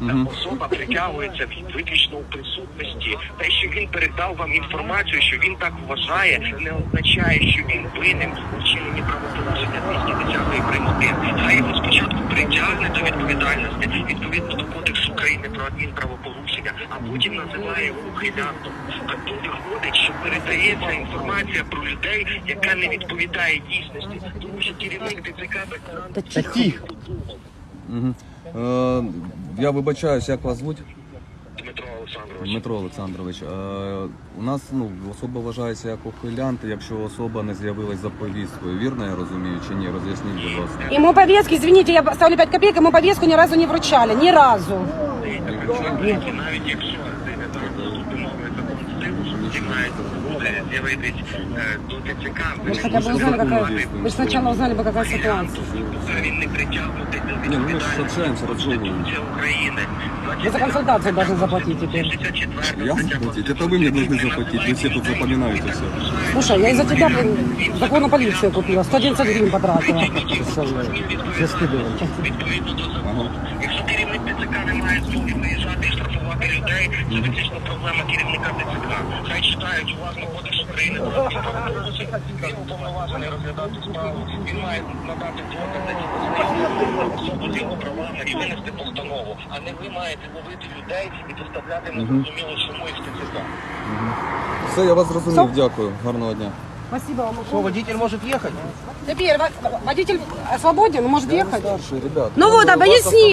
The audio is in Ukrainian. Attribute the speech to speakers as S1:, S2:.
S1: особа притягується виключно у присутності. Те, що він передав вам інформацію, що він так вважає, не означає, що він винен у вчиненні правопорушення 210 прим. 1. Хай його спочатку притягне до відповідальності відповідно до Кодексу України про адмінправопорушення, а потім називає його ухилянтом. А тут виходить, що передається інформація про людей, яка не відповідає дійсності, тому що керівник ТЦК
S2: Та тихо.
S3: Я вибачаюсь, як вас звуть?
S1: Дмитро Олександрович.
S3: Дмитро Олександрович. У нас особа вважається як ухилянт, якщо особа не з'явилась за повісткою. Вірно я розумію чи ні? Роз'ясніть, будь ласка.
S2: Ему повестки, извините, я ставлю 5 копеек, ему повестку ни разу не вручали. Ни разу.
S1: Навіть якщо людина закон стилу, що має буде з'явитись до ТЦК,
S2: Вы же хотя бы узнали, какая... Вы же сначала узнали бы, какая ситуация.
S1: він не притягнутий до
S3: Ні, ну ми ж
S1: відповідальності
S3: общаємося, розмовуємо.
S1: Конституції України.
S2: Вы за консультацию должны заплатить теперь.
S3: Я заплатить? Это вы мне должны заплатить, вы все тут запоминаете все.
S2: Слушай, я из-за тебя, блин, законную полицию купила, 111 гривен потратила.
S1: Відповідно до закону. Якщо керівник ТЦК не має змоги виїжджати і штрафувати людей, це фактично проблема керівника ТЦК. Хай читають уважно Кодекс України про адмінправопорушення, він уповноважений розглядати справу, він має надати докази, особу з його правами і винести постанову. А не ви маєте ловити людей і доставляти незрозуміло чому їх в ТЦК.
S3: Все, я вас зрозумів, дякую. Гарного дня.
S2: Спасибо вам.
S4: Что, водитель может ехать?
S2: Теперь водитель свободен, может ехать?
S3: Старший, ребят.
S2: Ну вот, объясни